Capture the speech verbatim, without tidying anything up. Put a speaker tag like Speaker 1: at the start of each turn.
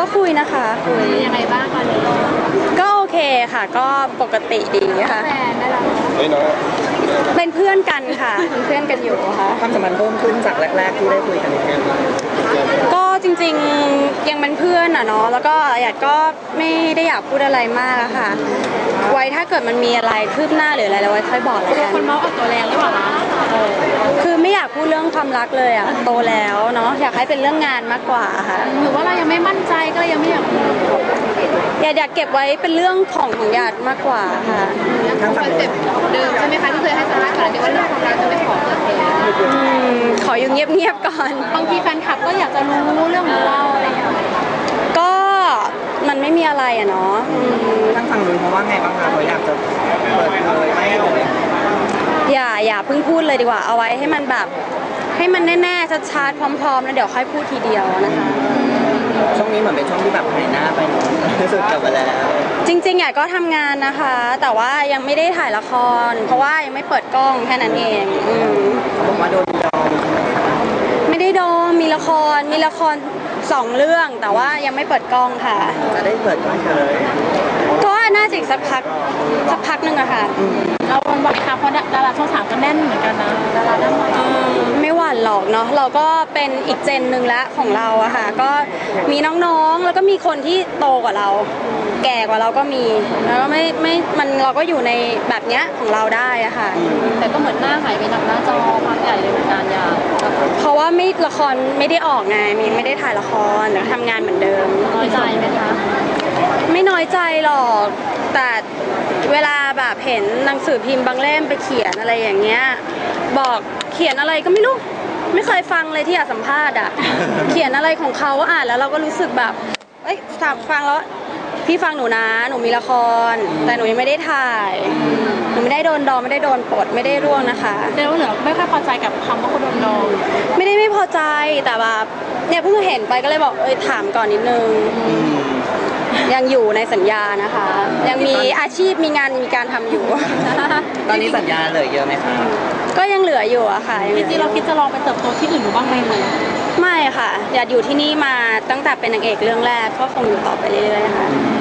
Speaker 1: ก็คุยนะคะคุย
Speaker 2: ยังไงบ้างตอนนี้
Speaker 1: ก็โอเคค่ะก็ปกติดีค่ะ
Speaker 2: แฟนได้แล้ว
Speaker 3: เฮ้ยน้อง
Speaker 1: เป็นเพื่อนกันค่ะเป็นเพื่อนกันอยู่ค่ะ
Speaker 4: ความสัมพันธ์เพิ่มขึ้นจากแรกๆที่ได้คุยกัน
Speaker 1: ก็จริงๆยังเป็นเพื่อนอ่ะเนาะแล้วก็อยากก็ไม่ได้อยากพูดอะไรมากอะค่ะไว้ถ้าเกิดมันมีอะไรคืบหน้าหรืออะไรเราไว้ค่อยบอกแล้วกัน
Speaker 2: คนเมาส์เอาตัวแรงหรือเปล่าคะ
Speaker 1: คือไม่อยากพูดเรื่องความรักเลยอะโตแล้วเนาะอยากให้เป็นเรื่องงานมากกว่าค่ะ
Speaker 2: หรือว่าเรายังไม่มั่นใจก็ยังไม่อยากพูด
Speaker 1: อยากอยากเก็บไว้เป็นเรื่องของของญาติมากกว่าค่ะ
Speaker 2: ทั้งคอนเซ็ปต์เดิมใช่ไหมคะที่เคยให้สัมภาษณ์ก่อนที่ว่าเรื่องของเราจะไม่ขอเปิดเผย
Speaker 1: ขออยู่เงียบๆก่อน
Speaker 2: บางทีแฟนคลับก็อยากจะรู้เรื่องของเราอะไรอย่างเงี้ย
Speaker 1: ก็มันไม่มีอะไรอะเนาะ
Speaker 4: ทั้งฝั่งนู้นเพราะว่าไงบ้างคะเขาอยากจะเปิดเผยไหมอะไร
Speaker 1: อย่าอย่าเพิ่งพูดเลยดีกว่าเอาไว้ให้มันแบบให้มันแน่ๆชัดๆพร้อมๆแล้วเดี๋ยวค่อยพูดทีเดียวนะคะ
Speaker 4: ช่วงนี้เหมือนเป็นช่วงที่แบบหายหน้าไปเนาะที่สุดกลับมาแล้ว
Speaker 1: จริงๆอยากก็ทำงานนะคะแต่ว่ายังไม่ได้ถ่ายละครเพราะว่ายังไม่เปิดกล้องแค่นั้นเอง
Speaker 4: เขาบอกว่าโดนดอง
Speaker 1: ไม่ได้ดองมีละครมีละครสองเรื่องแต่ว่ายังไม่เปิดกล้องค่ะ
Speaker 4: จะได้เปิดกล้องเลย
Speaker 1: ก็น่าจะอีกสักพักสักพักหนึ่งอะค่ะ
Speaker 2: เราคนบอกค่ะเพราะดาราช่องสามก็แน่นเหมือนกันนะดาราหน้าใหม่
Speaker 1: ไม่หวั่นหรอกเนาะเราก็เป็นอีกเจนหนึ่งละของเราอะค่ะก็มีน้องๆแล้วก็มีคนที่โตกว่าเราแก่กว่าเราก็มีแล้วก็ไม่ไม่มันเราก็อยู่ในแบบเนี้ยของเราได้อะค่ะ
Speaker 2: แต่ก็เหมือนหน้าหายไปจากหน้าจอพักใหญ่เลยเหมือนกันยา
Speaker 1: เพราะว่าไม่ละครไม่ได้ออกไงมีไม่ได้ถ่ายละครแต่ทำงานเหมือนเดิม
Speaker 2: น้อยใจไหมคะ
Speaker 1: ไม่น้อยใจหรอกแต่เวลาแบบเห็นหนังสือพิมพ์บางเล่มไปเขียนอะไรอย่างเงี้ยบอกเขียนอะไรก็ไม่รู้ไม่เคยฟังเลยที่อยากสัมภาษณ์อ่ะเขียนอะไรของเขาอ่านแล้วเราก็รู้สึกแบบเอ้ยฟังแล้วพี่ฟังหนูนะหนูมีละครแต่หนูยังไม่ได้ถ่ายหนูไม่ได้โดนดองไม่ได้โดนปลดไม่ได้ร่วงนะคะ
Speaker 2: แต่ว่าเหนือไม่ค่อยพอใจกับคำว่าคนโดนดอง
Speaker 1: ไม่ได้ไม่พอใจแต่แบบเนี่ยเพิ่งเห็นไปก็เลยบอกเอ้ยถามก่อนนิดนึงยังอยู่ในสัญญานะคะยังมีอาชีพมีงานมีการทำอยู่
Speaker 4: ตอนนี้สัญญาเหลือเยอะไหมคะ
Speaker 1: ก็ยังเหลืออยู่อะค่ะ
Speaker 2: จริงๆเราคิดจะลองไปเติบโตที่อื่นบ้างไหมคะ
Speaker 1: ไม่ค่ะอยากอยู่ที่นี่มาตั้งแต่เป็นนางเอกเรื่องแรกก็คงอยู่ต่อไปเรื่อยๆค่ะ